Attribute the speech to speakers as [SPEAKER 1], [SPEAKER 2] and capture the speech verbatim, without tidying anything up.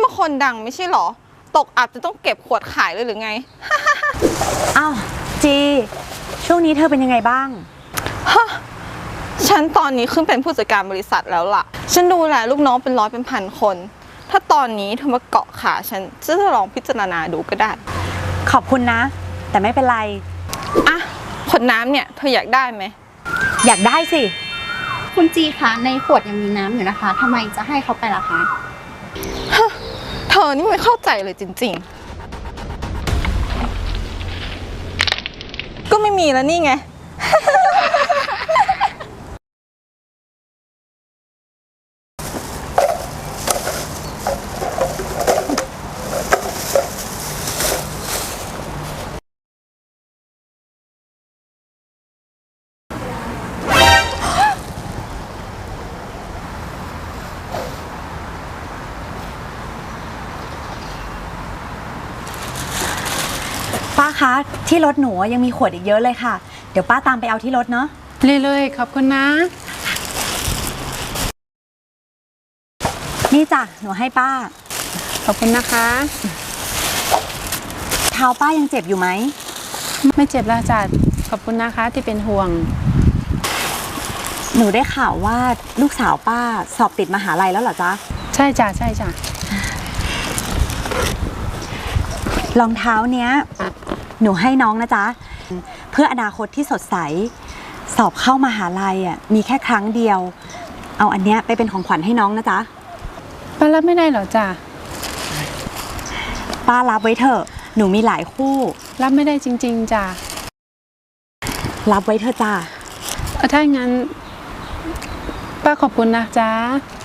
[SPEAKER 1] ก็คนดังไม่ใช่หรอตกอับจะต้องเก็บขวดขายเลยหรือไง
[SPEAKER 2] อ้าวจีช่วงนี้เธอเป็นยังไงบ้าง
[SPEAKER 1] ฮะฉันตอนนี้ขึ้นเป็นผู้จัดการบริษัทแล้วล่ะฉันดูแลลูกน้องเป็นร้อยเป็นพันคนถ้าตอนนี้เธอมาเกาะขาฉันจะลองพิจารณาดูก็ได้
[SPEAKER 2] ขอบคุณนะ แต่ไม่เป็นไร
[SPEAKER 1] อ่ะขวดน้ำเนี่ยเธออยากได้ไหม
[SPEAKER 2] อยากได้สิ
[SPEAKER 3] คุณจีคะในขวดยังมีน้ำอยู่นะคะทำไมจะให้เขาไปล่ะคะ
[SPEAKER 1] เธอนี่ไม่เข้าใจเลยจริงๆก็ไม่มีแล้วนี่ไง
[SPEAKER 2] ป้าคะที่รถหนูยังมีขวดอีกเยอะเลยค่ะเดี๋ยวป้าตามไปเอาที่รถเนาะ
[SPEAKER 4] เลยๆขอบคุณนะ
[SPEAKER 2] นี่จ้ะหนูให้ป้า
[SPEAKER 4] ขอบคุณนะคะ
[SPEAKER 2] เท้าป้ายังเจ็บอยู่ไหม
[SPEAKER 4] ไม่เจ็บแล้วจ้ะขอบคุณนะคะที่เป็นห่วง
[SPEAKER 2] หนูได้ข่าวว่าลูกสาวป้าสอบติดมหาลัยแล้วเหรอจ๊ะ
[SPEAKER 4] ใช่จ้ะใช่จ้ะ
[SPEAKER 2] รองเท้าเนี้ยหนูให้น้องนะจ๊ะเพื่ออนาคตที่สดใสสอบเข้ามหาลัยอ่ะมีแค่ครั้งเดียวเอาอันเนี้ยไปเป็นของขวัญให้น้องนะจ๊ะ
[SPEAKER 4] ป้ารับไม่ได้เหรอจ้ะ
[SPEAKER 2] ป้ารับไว้เถอะหนูมีหลายคู่
[SPEAKER 4] รับไม่ได้จริงๆจ้ะ
[SPEAKER 2] รับไว้เถอะจ้ะ
[SPEAKER 4] ถ้าอย่างนั้นป้าขอบคุณนะจ๊ะ